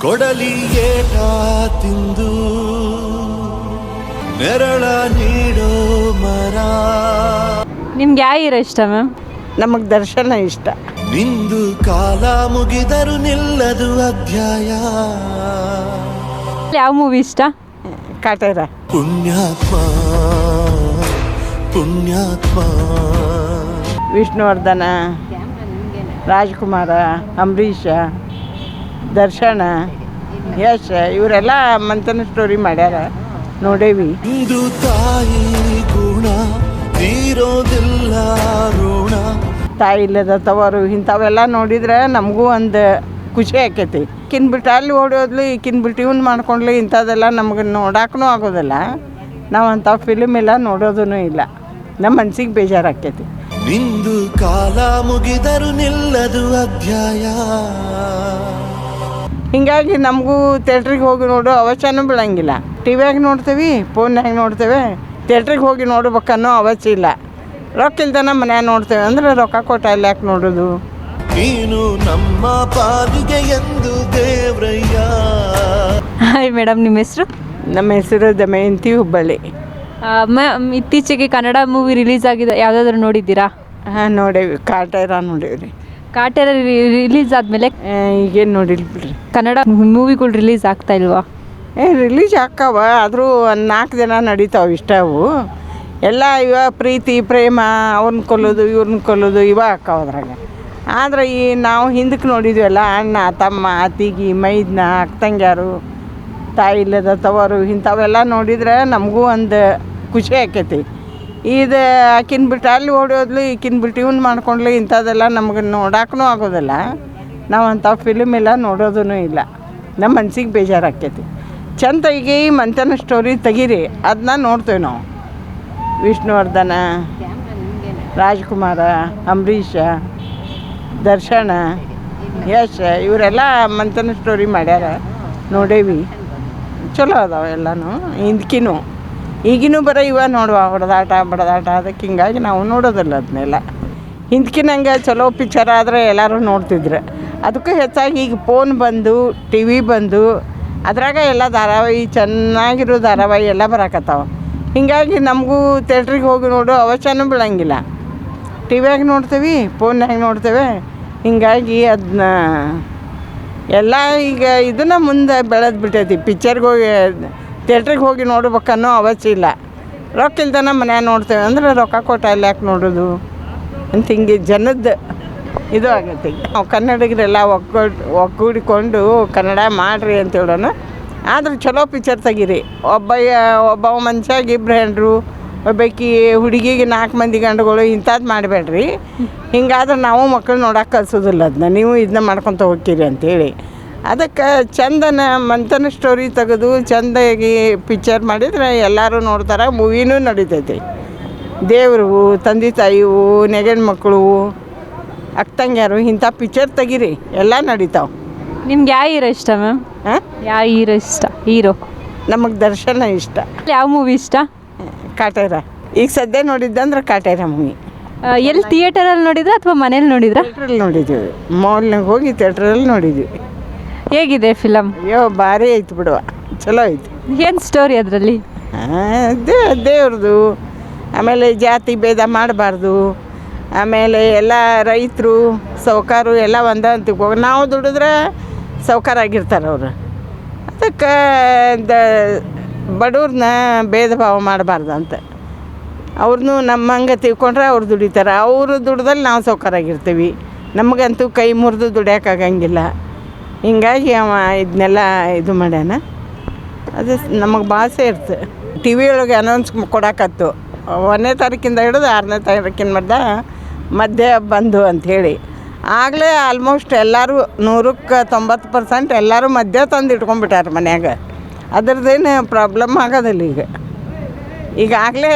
ಕೊಡಲಿ ಏಟ ತಿಂದು ನೆರಳ ನೀಡೋ ಮರ. ನಿಮ್ಗೆ ಯಾವ ಹೀರೋ ಇಷ್ಟ ಮ್ಯಾಮ್? ನಮಗೆ ದರ್ಶನ ಇಷ್ಟ. ನಿಂದು ಕಾಲ ಮುಗಿದರು ನಿಲ್ಲದು ಅಧ್ಯಾಯ. ಯಾವ ಮೂವಿ ಇಷ್ಟ? ಕಾಟೇರ. ಪುಣ್ಯಾತ್ಮ ಪುಣ್ಯಾತ್ಮ. ವಿಷ್ಣುವರ್ಧನ, ರಾಜ್ಕುಮಾರ, ಅಂಬರೀಷ, ದರ್ಶನ, ಯಶ್ ಇವರೆಲ್ಲ ಮಂಥನ ಸ್ಟೋರಿ ಮಾಡ್ಯಾರ, ನೋಡೇವಿ. ಇಂದು ತಾಯಿ ಗುಣ ತೀರೋದಿಲ್ಲ ಋಣ. ತಾಯಿ ಇಲ್ಲದ ತವರು ಇಂಥವೆಲ್ಲ ನೋಡಿದ್ರೆ ನಮಗೂ ಒಂದು ಖುಷಿ ಆಕೈತಿ. ಈಕಿನ ಬಿಟ್ಟು ಅಲ್ಲಿ ಓಡೋದ್ಲು, ಈಕಿನ ಬಿಟ್ಟು ಇವ್ನು ಮಾಡ್ಕೊಂಡ್ಲಿ, ಇಂಥದ್ದೆಲ್ಲ ನಮ್ಗೆ ನೋಡಕ್ಕೂ ಆಗೋದಿಲ್ಲ. ನಾವು ಅಂಥ ಫಿಲ್ಮ್ ಎಲ್ಲ ನೋಡೋದೂ ಇಲ್ಲ. ನಮ್ಮ ಮನ್ಸಿಗೆ ಬೇಜಾರಾಕೈತಿ. ನಿಂದು ಕಾಲ ಮುಗಿದರು ನಿಲ್ಲದು ಅಧ್ಯಾಯ. ಹೀಗಾಗಿ ನಮಗೂ ಥಿಯೇಟ್ರಿಗೆ ಹೋಗಿ ನೋಡೋ ಅವಶ್ಯನೂ ಬೀಳಂಗಿಲ್ಲ. ಟಿವಿಯಾಗ ನೋಡ್ತೀವಿ, ಫೋನ್ಯಾಗ ನೋಡ್ತೇವೆ. ಥಿಯೇಟ್ರಿಗೆ ಹೋಗಿ ನೋಡ್ಬೇಕನ್ನೋ ಅವಶ್ಯ ಇಲ್ಲ. ರೊಕ್ಕ ಇಲ್ದನ ಮನ್ಯಾಗ ನೋಡ್ತೇವೆ ಅಂದ್ರೆ ರೊಕ್ಕ ಕೊಟ್ಟ ಅಲ್ಲಿ ಯಾಕೆ ನೋಡೋದು. ನೀನು ನಮ್ಮ ಪಾಲಿಗೆ ಎಂದು ದೇವ್ರಯ್ಯ. ಹಾಯ್ ಮೇಡಮ್, ನಿಮ್ಮ ಹೆಸರು? ನಮ್ಮ ಹೆಸರು ದಮಯಂತಿ, ಹುಬ್ಬಳ್ಳಿ. ಮ್ಯಾಮ್, ಇತ್ತೀಚೆಗೆ ಕನ್ನಡ ಮೂವಿ ರಿಲೀಸ್ ಆಗಿದೆ, ಯಾವುದಾದ್ರೂ ನೋಡಿದ್ದೀರಾ? ಹಾಂ, ನೋಡೇವಿ. ಕಾಟೇರ ನೋಡೇವ್ರಿ. ಕಾಟೇರ ರಿಲೀಸ್ ಆದಮೇಲೆ ಈಗೇನು ನೋಡಿಲ್ಲ ಬಿಡ್ರಿ. ಕನ್ನಡ ಮೂವಿಗಳು ರಿಲೀಸ್ ಆಗ್ತಾ ಇಲ್ವಾ? ರಿಲೀಸ್ ಆಕ್ಕಾವ, ಆದರೂ 4 ದಿನ ನಡೀತಾವೆ ಇಷ್ಟವು ಎಲ್ಲ. ಇವ ಪ್ರೀತಿ ಪ್ರೇಮ, ಅವ್ರನ್ನ ಕೊಲ್ಲೋದು ಇವ್ರನ್ನ ಕೊಲ್ಲೋದು ಇವ ಆಕ್ಕಾವ ಅದ್ರಾಗ. ಆದರೆ ಈ ನಾವು ಹಿಂದಕ್ಕೆ ನೋಡಿದ್ವಲ್ಲ, ಅಣ್ಣ ತಮ್ಮ ಅತ್ತಿಗೆ ಮೈದ್ನ ಅಕ್ಕಂಗ್ಯಾರು, ತಾಯಿ ಇಲ್ಲದ ತವರು ಇಂಥವೆಲ್ಲ ನೋಡಿದ್ರೆ ನಮಗೂ ಒಂದು ಖುಷಿ ಆಕೈತಿ. ಇದು ಆಕಿನ ಬಿಟ್ಟು ಅಲ್ಲಿ ಓಡೋದ್ಲು, ಈಕಿನ ಬಿಟ್ಟು ಇವ್ನು ಮಾಡ್ಕೊಂಡ್ಲಿ, ಇಂಥದ್ದೆಲ್ಲ ನಮ್ಗೆ ನೋಡಕ್ಕೂ ಆಗೋದಿಲ್ಲ. ನಾವು ಅಂಥ ಫಿಲ್ಮ್ ಎಲ್ಲ ನೋಡೋದೂ ಇಲ್ಲ. ನಮ್ಮ ಮನ್ಸಿಗೆ ಬೇಜಾರಾಕೈತಿ. ಚಂದ ಈಗ ಈ ಮಂಥನ ಸ್ಟೋರಿ ತೆಗೀರಿ, ಅದನ್ನ ನೋಡ್ತೇವೆ ನಾವು. ವಿಷ್ಣುವರ್ಧನ, ರಾಜ್ಕುಮಾರ, ಅಂಬರೀಷ, ದರ್ಶನ, ಯಶ್ ಇವರೆಲ್ಲ ಮಂಥನ ಸ್ಟೋರಿ ಮಾಡ್ಯಾರ, ನೋಡೇವಿ. ಚಲೋ ಅದಾವೆ ಎಲ್ಲನೂ. ಹಿಂದ್ಕಿನೂ ಈಗಿನೂ ಬರೀ ಇವ ನೋಡುವ ಹೊಡೆದಾಟ ಬಡದಾಟ, ಅದಕ್ಕೆ ಹಿಂಗಾಗಿ ನಾವು ನೋಡೋದಿಲ್ಲ ಅದನ್ನೆಲ್ಲ. ಹಿಂದ್ಕಿನಂಗೆ ಚಲೋ ಪಿಕ್ಚರ್ ಆದರೆ ಎಲ್ಲರೂ ನೋಡ್ತಿದ್ರು. ಅದಕ್ಕೂ ಹೆಚ್ಚಾಗಿ ಈಗ ಫೋನ್ ಬಂದು, ಟಿ ವಿ ಬಂದು, ಅದ್ರಾಗ ಎಲ್ಲ ಧಾರಾವಾಹಿ, ಚೆನ್ನಾಗಿರೋ ಧಾರಾವಾಹಿ ಎಲ್ಲ ಬರಾಕತ್ತಾವ. ಹೀಗಾಗಿ ನಮಗೂ ಥಿಯೇಟ್ರಿಗೆ ಹೋಗಿ ನೋಡೋ ಅವಶ್ಯನೂ ಬೀಳಂಗಿಲ್ಲ. ಟಿವಿಯಾಗ ನೋಡ್ತೇವೆ, ಫೋನ್ಯಾಗ ನೋಡ್ತೇವೆ. ಹೀಗಾಗಿ ಅದನ್ನ ಎಲ್ಲ ಈಗ ಇದನ್ನು ಮುಂದೆ ಬೆಳೆದು ಬಿಟ್ಟೈತಿ. ಪಿಕ್ಚರ್ಗೆ ಹೋಗಿ ಥಿಯೇಟ್ರಿಗೆ ಹೋಗಿ ನೋಡ್ಬೇಕನ್ನೋ ಅವಶ್ಯ ಇಲ್ಲ. ರೊಕ್ಕ ಇಲ್ದನ ಮನ್ಯಾಗ ನೋಡ್ತೇವೆ ಅಂದ್ರೆ ರೊಕ್ಕ ಕೊಟ್ಟ ಅಲ್ಲಿ ಯಾಕೆ ನೋಡೋದು ಅಂತ ಹಿಂಗೆ ಜನದ್ದು ಇದು ಆಗೈತಿ. ನಾವು ಕನ್ನಡಿಗರೆಲ್ಲ ಒಗ್ಗೂಡಿಕೊಂಡು ಕನ್ನಡ ಮಾಡಿರಿ ಅಂತ ಹೇಳೋಣ. ಆದ್ರೆ ಚಲೋ ಪಿಕ್ಚರ್ ತೆಗೀರಿ. ಒಬ್ಬ ಮನುಷ್ಯಾಗ 2 ಹೆಂಡ್ರು, ಒಬ್ಬಾಕಿ ಹುಡುಗಿಗೆ 4 ಮಂದಿ ಗಂಡುಗಳು, ಇಂಥದ್ದು ಮಾಡಬೇಡ್ರಿ. ಹಿಂಗಾದ್ರೆ ನಾವು ಮಕ್ಕಳು ನೋಡೋಕೆ ಕಲ್ಸೋದಿಲ್ಲ. ಅದನ್ನ ನೀವು ಇದನ್ನ ಮಾಡ್ಕೊತ ಹೋಗ್ತೀರಿ ಅಂಥೇಳಿ. ಅದಕ್ಕೆ ಚಂದನ ಮಂಥನ ಸ್ಟೋರಿ ತೆಗೆದು ಚಂದಾಗಿ ಪಿಕ್ಚರ್ ಮಾಡಿದ್ರೆ ಎಲ್ಲರೂ ನೋಡ್ತಾರೆ. ಮೂವಿನೂ ನಡೀತೈತಿ. ದೇವರು, ತಂದೆ ತಾಯಿವು, ನೆಗಣ ಮಕ್ಕಳು, ಅಕ್ಕಂಗ್ಯಾರು, ಇಂಥ ಪಿಕ್ಚರ್ ತೆಗೀರಿ, ಎಲ್ಲ ನಡೀತಾವೆ. ನಿಮ್ಗೆ ಯಾವ ಹೀರೋ ಇಷ್ಟ ಮ್ಯಾಮ್? ಹಾಂ, ಯಾವ ಹೀರೋ ಇಷ್ಟ? ಹೀರೋ ನಮಗೆ ದರ್ಶನ ಇಷ್ಟ. ಯಾವ ಮೂವಿ ಇಷ್ಟ? ಕಾಟೇರ. ಈಗ ಸದ್ಯ ನೋಡಿದ್ದಂದ್ರೆ ಕಾಟೇರ ಮೂವಿ. ಎಲ್ಲಿ ಥಿಯೇಟರಲ್ಲಿ ನೋಡಿದ್ರಾ ಅಥವಾ ಮನೇಲಿ ನೋಡಿದ್ರಾ? ಥಿಯೇಟ್ರಲ್ಲಿ ನೋಡಿದ್ದೀವಿ. ಮಾಲ್ನಾಗ ಹೋಗಿ ಥಿಯೇಟ್ರಲ್ಲಿ ನೋಡಿದ್ವಿ. ಹೇಗಿದೆ ಫಿಲಮ್? ಅಯ್ಯೋ ಭಾರಿ ಐತೆ ಬಿಡುವ, ಚಲೋ ಐತೆ. ಏನು ಸ್ಟೋರಿ ಅದರಲ್ಲಿ? ದೇವ್ರದ್ದು, ಆಮೇಲೆ ಜಾತಿ ಭೇದ ಮಾಡಬಾರ್ದು, ಆಮೇಲೆ ಎಲ್ಲ ರೈತರು ಸಾವ್ಕಾರು ಎಲ್ಲ ಒಂದ ಅಂತಿಗೆ ಹೋಗಿ ನಾವು ದುಡಿದ್ರೆ ಸಾವ್ಕಾರಾಗಿರ್ತಾರೆ ಅವರು. ಅದಕ್ಕೆ ಬಡವ್ರನ್ನ ಭೇದ ಭಾವ ಮಾಡಬಾರ್ದು ಅಂತ. ಅವ್ರನ್ನೂ ನಮ್ಮಂಗೆ ತಿಳ್ಕೊಂಡ್ರೆ ಅವ್ರು ದುಡಿತಾರೆ. ಅವರು ದುಡ್ದಲ್ಲಿ ನಾವು ಸಾವ್ಕಾರಾಗಿರ್ತೀವಿ. ನಮಗಂತೂ ಕೈ ಮುರಿದು ದುಡಿಯೋಕ್ಕಾಗಂಗಿಲ್ಲ. ಹಿಂಗಾಗಿ ಅವ ಇದನ್ನೆಲ್ಲ ಇದು ಮಾಡ್ಯಾನ. ಅದು ನಮಗೆ ಭಾಷೆ ಇರ್ತದೆ. ಟಿ ವಿ ಒಳಗೆ ಅನೌನ್ಸ್ ಕೊಡಕತ್ತು 1ನೇ ತಾರೀಕಿಂದ ಹಿಡಿದು 6ನೇ ತಾರೀಕಿನ ಮಧ್ಯೆ ಬಂದು ಅಂಥೇಳಿ. ಆಗಲೇ ಆಲ್ಮೋಸ್ಟ್ ಎಲ್ಲರೂ 100ಕ್ಕೆ 90% ಎಲ್ಲರೂ ಮಧ್ಯೆ ತಂದು ಇಟ್ಕೊಂಡ್ಬಿಟ್ಟಾರೆ ಮನ್ಯಾಗ. ಅದ್ರದ್ದೇನು ಪ್ರಾಬ್ಲಮ್ ಆಗೋದಿಲ್ಲ. ಈಗಾಗಲೇ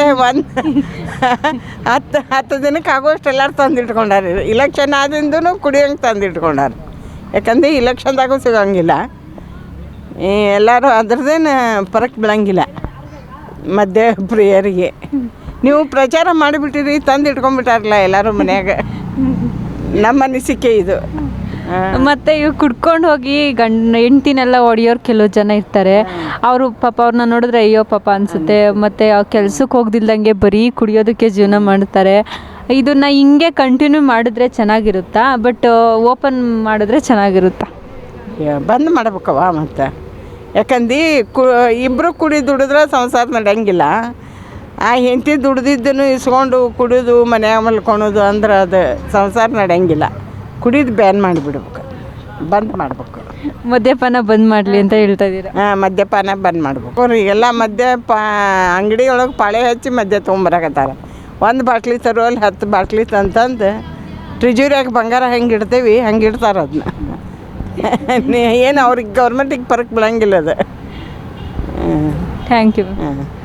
10 ದಿನಕ್ಕೆ ಆಗೋಷ್ಟು ಎಲ್ಲರೂ ತಂದು ಇಟ್ಕೊಂಡಾರೆ. ಇಲೆಕ್ಷನ್ ಆದಿಂದೂ ಕುಡಿಯೋಂಗೆ ತಂದು ಇಟ್ಕೊಂಡಾರೆ. ಯಾಕಂದರೆ ಇಲೆಕ್ಷನ್ದಾಗೂ ಸಿಗೋಂಗಿಲ್ಲ. ಎಲ್ಲರೂ ಅದ್ರದ್ದೇನು ಫರಕ್ ಬೀಳಂಗಿಲ್ಲ ಮಧ್ಯ ಪ್ರಿಯರಿಗೆ. ನೀವು ಪ್ರಚಾರ ಮಾಡಿಬಿಟ್ಟಿರಿ, ತಂದು ಇಟ್ಕೊಂಡ್ಬಿಟ್ಟಾರಲ್ಲ ಎಲ್ಲರೂ ಮನ್ಯಾಗ. ನಮ್ಮ ಅನಿಸಿಕೆ ಇದು. ಮತ್ತೆ ಇವ್ ಕುಡ್ಕೊಂಡು ಹೋಗಿ ಹೆಂಡ್ತಿನೆಲ್ಲ ಹೊಡಿಯೋರು ಕೆಲವು ಜನ ಇರ್ತಾರೆ. ಅವರು ಪಾಪ ಅವ್ರನ್ನ ನೋಡಿದ್ರೆ ಅಯ್ಯೋ ಪಾಪ ಅನ್ಸುತ್ತೆ. ಮತ್ತೆ ಕೆಲ್ಸಕ್ಕೆ ಹೋಗ್ದಿಲ್ದಂಗೆ ಬರೀ ಕುಡಿಯೋದಕ್ಕೆ ಜೀವನ ಮಾಡ್ತಾರೆ. ಇದನ್ನ ಹಿಂಗೆ ಕಂಟಿನ್ಯೂ ಮಾಡಿದ್ರೆ ಚೆನ್ನಾಗಿರುತ್ತಾ, ಬಟ್ ಓಪನ್ ಮಾಡಿದ್ರೆ ಚೆನ್ನಾಗಿರುತ್ತಾ? ಬಂದ್ ಮಾಡ್ಬೇಕವ ಮತ್ತು. ಯಾಕಂದು ಇಬ್ಬರು ಕುಡಿ ದುಡಿದ್ರೆ ಸಂಸಾರ ನಡೆಯಂಗಿಲ್ಲ. ಆ ಹೆಂಡತಿ ದುಡ್ದಿದ್ದನ್ನು ಇಸ್ಕೊಂಡು ಕುಡಿಯೋದು ಮನ್ಯಾಗ ಮಲ್ಕೊಳೋದು ಅಂದ್ರೆ ಅದು ಸಂಸಾರ ನಡೆಯಂಗಿಲ್ಲ. ಕುಡಿದು ಬ್ಯಾನ್ ಮಾಡಿಬಿಡ್ಬೇಕು, ಬಂದ್ ಮಾಡ್ಬೇಕು. ಮದ್ಯಪಾನ ಬಂದ್ ಮಾಡಲಿ ಅಂತ ಹೇಳ್ತಾ ಇದ್ದೀರಾ? ಮದ್ಯಪಾನ ಬಂದ್ ಮಾಡ್ಬೇಕು. ಅವ್ರಿಗೆಲ್ಲ ಅಂಗಡಿ ಒಳಗೆ ಪಾಳೆ ಹಚ್ಚಿ ಮದ್ಯ ತೊಗೊಂಬರಕತ್ತಾರ. ಒಂದು ಬಾಟ್ಲಿ ತರೋ ಅಲ್ಲಿ 10 ಬಾಟ್ಲಿ ತಂತಂದು ಟ್ರಿಜುರಿಯಾಗ ಬಂಗಾರ ಹೆಂಗೆ ಇಡ್ತೇವಿ ಹಂಗೆ ಇಡ್ತಾರೆ ಅದನ್ನ. ಏನು ಅವ್ರಿಗೆ ಗೌರ್ಮೆಂಟಿಗೆ ಪರಕ್ ಬೀಳಂಗಿಲ್ಲ ಅದು. Thank you. ಹಾಂ.